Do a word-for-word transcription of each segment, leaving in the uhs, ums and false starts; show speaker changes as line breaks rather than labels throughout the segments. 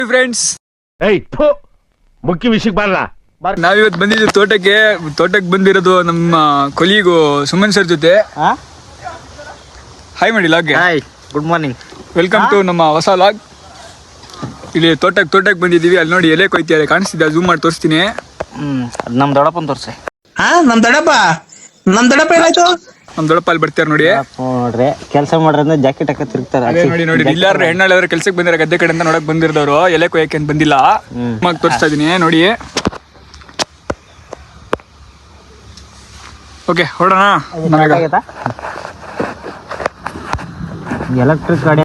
Friends,
ಮುಖ್ಯ ವಿಷಯಕ್ಕೆ ಬರಲ್ಲ.
ನಾವಿವತ್ತು ಬಂದಿದ್ದು ತೋಟಕ್ಕೆ ತೋಟಕ್ಕೆ ಬಂದಿರೋದು ನಮ್ಮ ಕೊಲೀಗು ಸುಮನ್ ಸರ್ ಜೊತೆ. ಹಾಯ್ ಮಾಡಿ ಲಾಗ್ಗೆ.
Hi, good morning,
welcome to ನಮ್ಮ ಹೊಸ ಲಾಗ್. ಇಲ್ಲಿ ತೋಟಕ್ಕೆ ತೋಟಕ್ಕೆ ಬಂದಿದ್ದೀವಿ. ಅಲ್ಲಿ ನೋಡಿ ಎಲೆ ಕೊಯ್ತಿದ್ದಾರೆ, ಕಾಣಿಸ್ತಿದ್ದೆ, ಝೂಮ್ ಮಾಡಿ ತೋರಿಸ್ತೀನಿ.
ಹ್ಮ್ ಅದ್ ನಮ್ ದೊಡ್ಡಪ್ಪನ್ ತೋರ್ಸಿ.
ಹಾ ನಮ್ ದೊಡ್ಡಪ್ಪ ನಮ್ ದೊಡ್ಡಪ್ಪ ಏನಾಯ್ತು?
ನಮ್ ದೊಡ್ಡಪ್ಪ ಅಲ್ಲಿ ಬರ್ತಾರೆ ನೋಡಿ.
ನೋಡ್ರಿ ಕೆಲಸ ಮಾಡ್ರಂದ್ರೆ ಜಾಕೆಟ್ ಹಾಕ ತಿರುಗ್ತಾರೆ.
ಅದೇ ನೋಡಿ ನೋಡಿ ಇಲ್ಲಾರ ಹೆಣ್ಣಾಳವ್ರ ಕೆಲ್ಸಕ್ಕೆ ಬಂದಿರ ಗದ್ದೆ ಕಡೆ ಅಂತ ನೋಡಕ್ ಬಂದಿರೋರು. ಎಲೆ ಕೊಯ್ಯಕ್ಕೆ ಅಂತ ಬಂದಿಲ್ಲ. ಮಗ ತೋರಿಸ್ತಾ ಇದೀನಿ ನೋಡಿ. ಓಕೆ, ಹೊರಡೋಣ.
ಎಲೆಕ್ಟ್ರಿಕ್ ಗಾಡಿ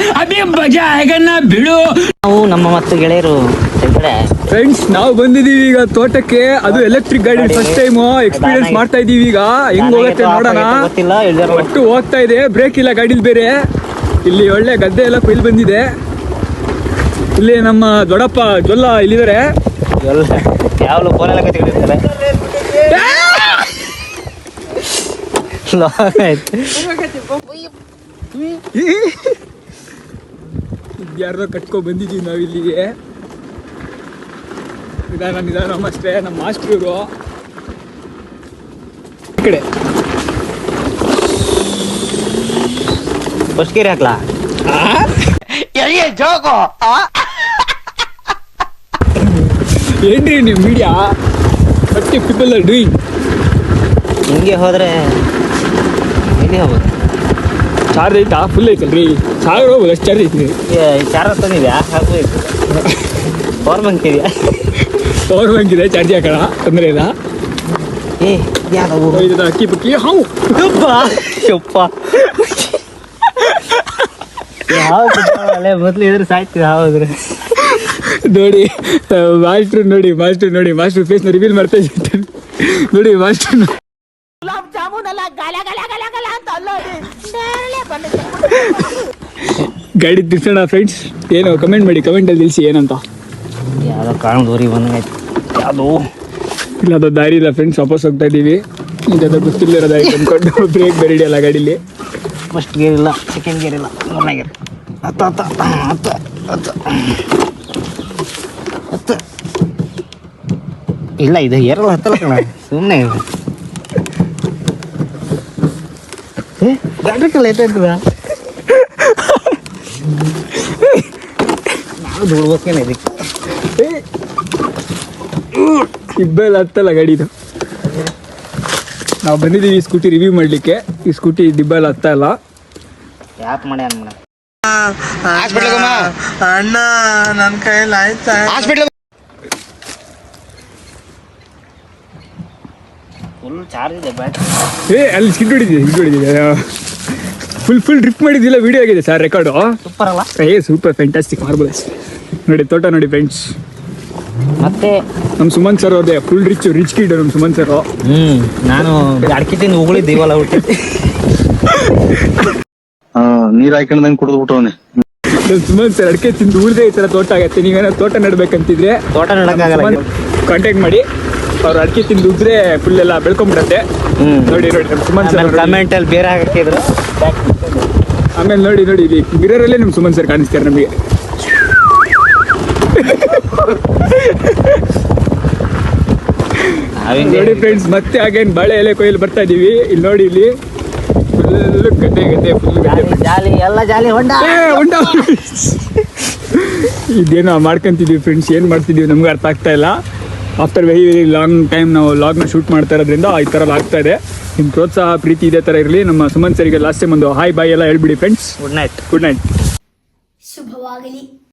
ಬಿಡು.
ನಾವು ನಮ್ಮ ಮತ್ತು ಗೆಳೆಯರು
ಫ್ರೆಂಡ್ಸ್, ನಾವು ಬಂದಿದೀವಿ ಈಗ ತೋಟಕ್ಕೆ. ಅದು ಎಲೆಕ್ಟ್ರಿಕ್ ಗಾಡಿ ಫಸ್ಟ್ ಟೈಮ್ ಎಕ್ಸ್ಪೀರಿಯನ್ಸ್ ಮಾಡ್ತಾ ಇದೀವಿ. ಈಗ ಹೆಂಗ್ ಹೋಗುತ್ತೆ ನೋಡೋಣ. ಒಟ್ಟು ಹೋಗ್ತಾ ಇದೆ, ಬ್ರೇಕ್ ಇಲ್ಲ ಗಾಡಿಲಿ ಬೇರೆ. ಇಲ್ಲಿ ಒಳ್ಳೆ ಗದ್ದೆ ಎಲ್ಲ ಕೊಯ್ಲು ಬಂದಿದೆ. ಇಲ್ಲಿ ನಮ್ಮ ದೊಡ್ಡಪ್ಪ ಜೊಲ್ಲ ಇಲ್ಲಿದ್ದಾರೆ.
ಯಾವಲು ಫೋನೆಲ್ಲ ಕತ್ತಿರ್ತಾರೆ.
ಯಾರ್ದೋ ಕಟ್ಕೊ ಬಂದಿದ್ದೀವಿ ನಾವು ಇಲ್ಲಿಗೆ. ನಿಧಾನ ನಿಧಾನ ಅಷ್ಟೇ. ನಮ್ಮ ಮಾಸ್ಟರ್ ಇವರು ಈ ಕಡೆ
ಬಸ್ಕೇರಿ ಹಾಕ್ಲಾ
ಏನ್ರಿ ನೀವು ಮೀಡಿಯಾ ಬಟ್ಟಿ ಪೀಪಲ್ ಆರ್ ಡೂಯಿಂಗ್.
ಹಿಂಗೆ ಹೋದ್ರೆ ಎಲ್ಲಿ ಹೋಗ್ಬೋದು?
ಚಾರ್ಜ್ ಐತಾ? ಫುಲ್ ಐತಲ್ರಿ, ಸಾವಿರ ಹೋಗ್ಬೋದು ಅಷ್ಟು ಚಾರ್ಜ್ ಐತಿ.
ಚಾರ್ಜ್ ತಂದಿದ್ಯಾ? ಹಾಕ್ಬೇಕು. ಪವರ್ ಬ್ಯಾಂಕ್ ಇದೆಯಾ?
ಪವರ್ ಬ್ಯಾಂಕ್ ಇದೆ, ಚಾರ್ಜ್ ಹಾಕೋಣ, ತೊಂದರೆ ಇಲ್ಲ.
ಏ ಯಾವ್ದು
ಇದು ಅಕ್ಕಿ ಪಕ್ಕಿ ಹಾವು
ಯಪ್ಪ ಯಾವ ಮೊದ್ಲು ಇದ್ರೆ ಸಾಯ್ತೀವಿ. ಹೌದ್ರಿ
ನೋಡಿ ಮಾಸ್ಟ್ರು, ನೋಡಿ ಮಾಸ್ಟ್ರು, ನೋಡಿ ಮಾಸ್ಟ್ರು ಫೇಸ್ನ ರಿವೀಲ್ ಮಾಡ್ತಾ ಇದ್ದಾರೆ ನೋಡಿ. ಮಾಸ್ಟ್ರು ಗಾಡಿ ತಿರ್ಸೋಣ ಫ್ರೆಂಡ್ಸ್. ಏನು ಕಮೆಂಟ್ ಮಾಡಿ, ಕಮೆಂಟಲ್ಲಿ ತಿಳಿಸಿ ಏನಂತ.
ಯಾವ್ದೋ ಕಾಣದೂರಿ ಬಂದಂಗಾಯ್ತು. ಯಾವುದು
ಇಲ್ಲ, ಅದು ದಾರಿ ಇಲ್ಲ ಫ್ರೆಂಡ್ಸ್, ವಾಪಸ್ ಹೋಗ್ತಾ ಇದ್ದೀವಿ. ಇದು ಗೊತ್ತಿಲ್ಲದಿರೋ ದಾರಿ ತಂದ್ಕೊಂಡು ಬ್ರೇಕ್ ಬೇರೆ ಹಿಡಿಯಲ್ಲ ಗಾಡೀಲಿ.
ಫಸ್ಟ್ ಗೇರ್ ಇಲ್ಲ, ಸೆಕೆಂಡ್ ಗೇರ್ ಇಲ್ಲ, ಮೂರನೇ ಗೇರ್. ಹತ್ತು ಹತ್ತು ಹತ್ತು ಹತ್ತು ಹತ್ತು ಇಲ್ಲ, ಇದು ಏರಲ್ಲ, ಹತ್ತಲ್ಲ ಕಣ, ಸುಮ್ಮನೆ ಗಾಡಿ ಲೇಟ್ ಆಯ್ತದ. ನಾವು ದುಡ್ಬೇಕೇನೆ ಇದಕ್ಕೆ.
ಇಬ್ಬೆಲ್ಲ ಹತ್ತಲ್ಲ ಗಾಡಿದು. ನಾವು ಬಂದಿದ್ದೀವಿ ಸ್ಕೂಟಿ ರಿವ್ಯೂ ಮಾಡಲಿಕ್ಕೆ. ಈ ಸ್ಕೂಟಿ ದಿಬ್ಬೆಲ್ಲ ಹತ್ತ ಇಲ್ಲ.
ಯಾಕೆ ಮಾಡಿ ಅನ್ಮಾಡ
ಅಣ್ಣ ನನ್ನ ಕೈಯಲ್ಲಿ ಆಯ್ತಾ?
ಫುಲ್ ಚಾರ್ಜ್ ಇದೆ ಬ್ಯಾಟ್ರಿ.
ಏ ಅಲ್ಲಿ ಸ್ಕಿಡ್ ಹೊಡಿದಿದೆ, ಸ್ಕಿಡ್ ಹೊಡಿದಿದೆ. ಫುಲ್ ಫುಲ್ ಟ್ರಿಪ್ ಮಾಡಿದ್ದಿಲ್ಲ, ವಿಡಿಯೋ ಆಗಿದೆ ಸರ್, ರೆಕಾರ್ಡು.
ಸೂಪರ್ ಅಲ್ಲ?
ಏ ಸೂಪರ್, ಫ್ಯಾಂಟಾಸ್ಟಿಕ್, ಮಾರ್ಬಲ್ಸ್. ನೋಡಿ ತೋಟ ನೋಡಿ ಫ್ರೆಂಡ್ಸ್.
ಮತ್ತೆ
ನಮ್ಮ ಸುಮನ್ ಸರ್ ಅವ್ರದ್ದೇ ಫುಲ್ ರಿಚ್ ರಿಚ್ ಕಿಡ್ ನಮ್ಮ ಸುಮನ್ ಸರ್.
ಹ್ಮ್ ನಾನು ಅಡಿಕೆ ತಿಂದು ಉಗುಳಿದ್ದೀವಲ್ಲ ಹುಟ್ಟಿ
ನೀರ್ ಹಾಕೊಂಡಂಗೆ ಕುಡಿದು ಬಿಟ್ಟವನೆ
ನಮ್ಮ ಸುಮನ್ ಸರ್ ಅಡಿಕೆ ತಿಂದು ಉಳಿದೇ ಈ ಥರ ತೋಟ ಆಗತ್ತೆ. ನೀವೇನೋ ತೋಟ ನೆಡ್ಬೇಕಂತಿದ್ರೆ
ತೋಟ ನೆಡಕ್ಕಾಗಲ್ಲ,
ಕಾಂಟ್ಯಾಕ್ಟ್ ಮಾಡಿ. ಅವ್ರು ಅಡಿಕೆ ತಿಂದು ಉದ್ರೆ ಫುಲ್ ಎಲ್ಲ ಬೆಳ್ಕೊಂಡ್ಬಿಡತ್ತೆ. ನೋಡಿ ನೋಡಿ ನಮ್ಮ ಸುಮನ್ ಸರ್
ಕಮೆಂಟ್ ಅಲ್ಲಿ ಬೇರೆ ಹಾಕಿದ್ರು.
ಆಮೇಲೆ ನೋಡಿ ನೋಡಿ ಇಲ್ಲಿ ಮಿರರಲ್ಲೇ ನಿಮ್ಮ ಸುಮನ್ ಸರ್ ಕಾಣಿಸ್ತಾರೆ ನಮಗೆ. ನೋಡಿ ಫ್ರೆಂಡ್ಸ್, ಮತ್ತೆ ಹಾಗೇನು ಬಾಳೆ ಎಲೆ ಕೊಯ್ಲು ಬರ್ತಾ ಇದೀವಿ. ಇಲ್ಲಿ ನೋಡಿ, ಇಲ್ಲಿ ಫುಲ್ ಗದ್ದೆ ಗದ್ದೆ ಫುಲ್ ಗದ್ದೆ
ಜಾಲಿ ಎಲ್ಲ ಜಾಲಿ ಹೊಂಡ
ಹೊಂಡ ಇದೇನೋ ಮಾಡ್ಕೊಂತಿದ್ವಿ ಫ್ರೆಂಡ್ಸ್. ಏನು ಮಾಡ್ತಿದ್ದೀವಿ ನಮ್ಗೆ ಅರ್ಥ ಆಗ್ತಾ ಇಲ್ಲ. After very very long time ನಾವು ಲಾಗ್ನ ಶೂಟ್ ಮಾಡ್ತಾ ಇರೋದ್ರಿಂದ ಈ ಥರ ಆಗ್ತಾ ಇದೆ. ನಿಮ್ಮ ಪ್ರೋತ್ಸಾಹ ಪ್ರೀತಿ ಇದೇ ಥರ ಇರಲಿ. ನಮ್ಮ ಸುಮನ್ ಸರಿಗೆ ಲಾಸ್ಟ್ ಟೈಮ್ ಒಂದು ಹಾಯ್ ಬಾಯ್ ಎಲ್ಲ ಹೇಳ್ಬಿಡಿ friends.
Good night.
Good night.
ಶುಭವಾಗಲಿ.